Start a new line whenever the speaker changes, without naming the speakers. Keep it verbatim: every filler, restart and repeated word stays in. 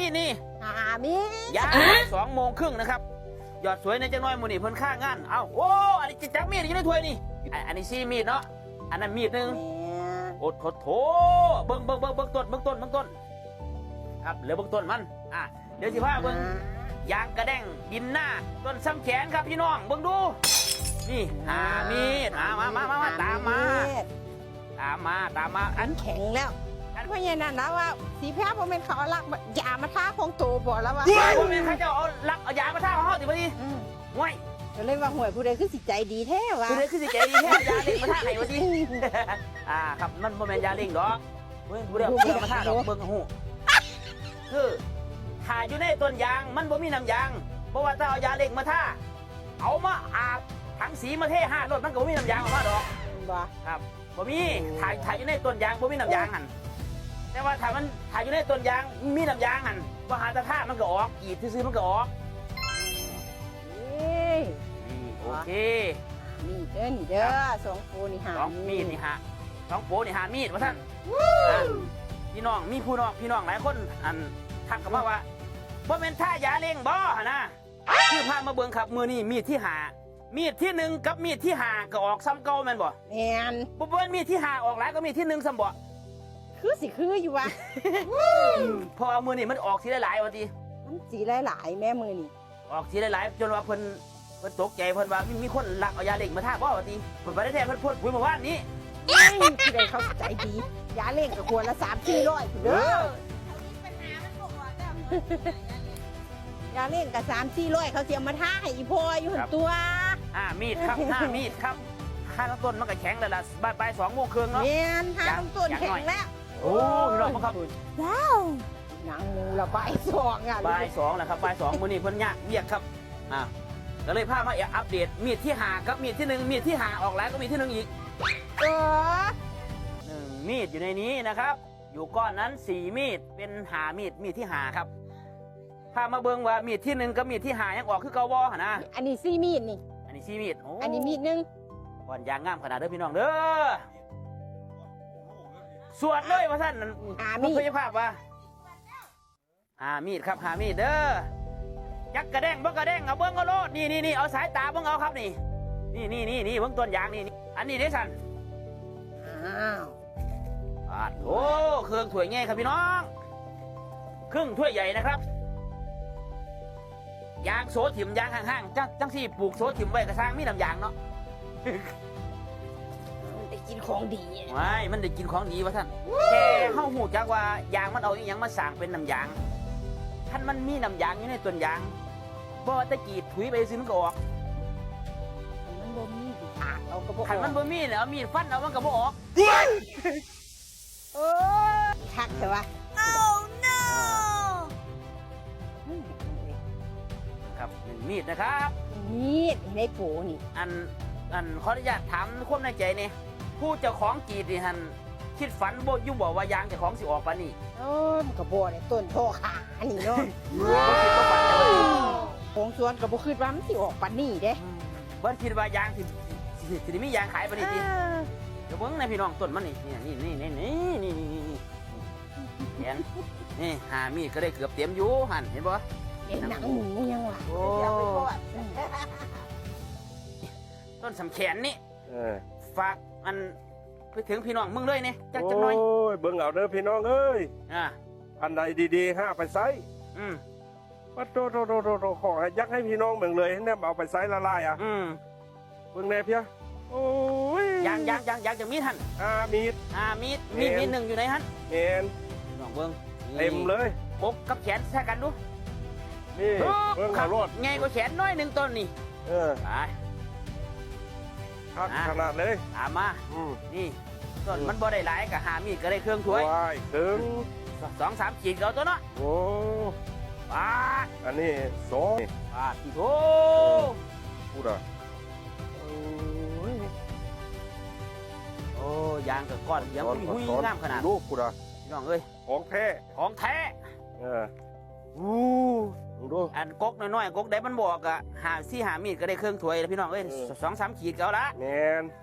มีดนี่
หามีด
ยางสองโมงครึ่งนะครับยอดสวยในจังน้อยมูนี่เพิ่นค่างานเอ้าโอ้อันนี้จักมีดอยู่ในถ้วยนี่อันนี้ซี่มีดเนาะอันนั้นมีดหนึ่งโอ้โถโถเบิ้งเบิ้งเบิ้งเบิ้งต้นเบิ้งต้นเบิ้งต้นครับเหลือเบิ้งต้นมันอ่ะเดี๋ยวสิพาเบิ้งยางกระแดงดินหน้าต้นซ้ำแขนครับพี่น้องเบิ้งดูนี่หามีดมามามามาตามมาตามมาตามมาอั
อั
น
นแข็งแล้วอันเพราะอย่างนั้นนะว่าสีแพ้ผมเป็นเขาเอาลักยามาท่าคงโตบ่แล้วว่า
ผมเป็นข้าเจ้าเอาลักเอายามาท่าเขาสิพอดีห่วย
ก็เลยว่าหวยผู้ใดคือสิใจดีแท้วะ
คือเด็กคือสิเจดีแท้ยาเล่งมาท่าไหนวะสิอ่าครับมันโมเมนยาเล่งดอกเฮ้ยผู้เดียวเดียวมาท่าดอกเบิ้งหูคือถ่ายอยู่ในต้นยางมันบ่มีน้ำยางเพราะว่าถ้าเอายาเล่งมาท่าเอามาอาบถังสีมาเทห้ารถมันก็บ่มีน้ำยางออกมาดอก
บ่
ครับบ่มีถ่ายถ่ายอยู่ในต้นยางบ่มีน้ำยางหันแต่ว่าถ่ายมันถ่ายอยู่ในต้นยางมีน้ำยางหันว่าหาตะท่ามันก็ออกอีดซื้อๆมันก็ออก
เอ้ย
นี่โอเค
นี่เด้อนี่เด้อสองปูนี่หา
สองมีดนี่ฮะสองโปนี่หามีดว่าท่านอ่ะพี่น้องมีผู้น้องพี่น้องหลายคนอันทักกันมาว่าบ่เป็นท่ายาเล่งบ่หนนะคือพามาเบิ่งครับมือนี่มีดที่หามีดที่หนึ่งกับมีดที่หาก็ออกซ้ำเก่าแม่นบ่
แม่น
บ่เป็นมีดที่หาออกหลายก็มีดที่หนึ่งซ้ำบ่
คือสิคืออยู่วะ
เพอเอามือนี่มันออกทีหลายๆว่าติ
มันสีหลายๆแม่มือนี่
ออกทีหลายๆจนว่าเพิ่นเพิ่นตกใจเพิ่นว่ามีมีคนลักเอายาเล่งมาท่าบ่ว่าติเพิ่นบ่ได้แท้เพิ่นพูดคุยเมื่อวานนี้
เอ้ยผู้ใดเขาใจดียาเล่งกับขวดละสามสี่ร้อยเด้อยาเล่งกับสามสี่ร้อยเขาเสียมาท่าให้อีพ่ออยู่หันตัว
อ่ามีดครับห้ามีดครับข้างต้นมันก็แข็งแล้วล่ะบ่ายบ่ายสองโมงครึ่งเนาะ
แม่นทางต้นแข็งแล้ว
โอ้พี่น้องครับ
ว้าวหนังหมูละใบสองอ่ะ
บ่ายสองแหละครับบ่ายสองมื้อนี้เพิ่นยากเรียกครับอ่าก็เลยพามาอัปเดตมีดที่หากับมีดที่หนึ่งมีดที่หาออกแล้วก็มีดที่หนึ่งอีก
เออ
หนึ่งมีดอยู่ในนี้นะครับ อยู่ก้อนนั้นสี่มีดเป็นหามีดมีดที่หาครับพามาเบิ่งว่ามีดที่หนึ่งกับมีดที่หายังออกคือเก่าบ่หั่นนะ
อันนี้ซี่มีดนี่
อันนี้สี่มีดโ
อันนี้มีดหนึง
ก้อนยางงามขนาดเด้อพี่น้องเด้อสวดเลยว่าท่าน
หา
มี
มีด
พยาภาพว่าหามีดครับหามีดเด้อยักกระแดงเบิ้งกระแดงเอาเบิ้งก็โลดนี่นี่นี่เอาสายตาเบิ้งเอาครับนี่นี่นี่นี่นี่เบิ้งต้นยางนี่นี่อันนี้เด้สัน
อ้าว
อ่าโอ้เครื่องถ้วยง่ายครับพี่น้องครึ่งถ้วยใหญ่นะครับยางโซถิ่มยางห่างๆจังจังสี่ปลูกโซถิ่มไว้กระซังมีน้ำยางเนาะ
มันได้กินของดี
ไม่มันได้กินของดีวะท่านแค่เฮาหูจักว่ายางมันเอาอีหยังมาสร้างเป็นน้ำยางท่านมันมีน้ำยางอยู่ในต้นยางบ่ว่าแตะกีดถุยไปซื้อมันก็ออก
มันบ่มีสิขาดเอากระบอก
ขันมันบ่มีเนี่ยเอามีดฟันเอามันก็บ่ออก
เออคักใช่ปะ
Oh no!
ครับหนึ่งมีดนะครับ
มีดในโผนี่
อันอันขออนุญาตถามความในใจเนี่ยผู้เจ้าของกรีดนี่ฮันคิดฝันบ่อยู่บอกว่ายางเจ้าของสิออกปานนี้
โอ้มันกระบอกเนี่ยต้นโทขานี่เนาะ
บ่คิดบ่ฝันจังเลย
ของสวนกระบอกคือว่ามันสิออกปานนี่เด้
บ่คิดว่ายางสิสิสิได้มียางขายปานนี้ติเดี๋ยวเบิ่งนะพี่น้องต้นมันนี่นี่นี่นี่นี่นี่นี่นี่แขนนี่หามีดก็ได้เกือบเต็มอยู่หั่นเห็นบ่
เห็นหนังหมูยังวะ
โอ้ต้นสำแขนนี่
เออ
ฝากอันไปถึงพี่น้องมึงเลยเนี่ยจักจังหน่อย
โอ้ยเบิ่งเอาเด้อพี่น้องเอ้ย
อ่า
อันใดดีๆห้าไปไซส์
อืม
ปัดโตโตโตโตโตขอให้ยักให้พี่น้องเบิ่งเลยให้แนมเอาไปไซส์ละลายอ่ะ
อืม
เบิ่งแน่เพียโอ้ย
ยางยางยางยางจะมีดหัน
อามีด
อ่ามีดมีด
เอ็น
มีดหนึ่งอยู่ไหนหัน
เอ็น
พี่น้องเบิ้งนี่
เต็มเลย
ปกกับแขนแท้กันดู
นี่เบิ่งเอารถ
ไงกว่าแขนน้อยหนึ่งต้นนี่
เออ
ไป
คัก
อ่ะ
ขนาดเลย
ตามมา
อืม
นี่ต้นมันบ่ได้หลายกับหามีดก็ได้เครื่องถ้วย
ว้ายถึง
สองสามขีดเอาตัวเนาะ
โอ้
ปาด
อันนี้สอง
ปาดที่โถ
พูดอ่ะโอ้ย
โอ้ยางกับก้อนเสียังหุ้ยหุ้ยงามขนาด
ลูกพูดอ่ะ
พี่น้องเอ้ย
ของแท้
ของแท้
เออ
อู้
ดูดู
อันกกน้อยๆกกได้มันบอกอะหาซี่หามีดก็ได้เครื่องถ้วยแล้วพี่น้องเอ้ย
เออ
สองสามขีดก็เอาละ
แมน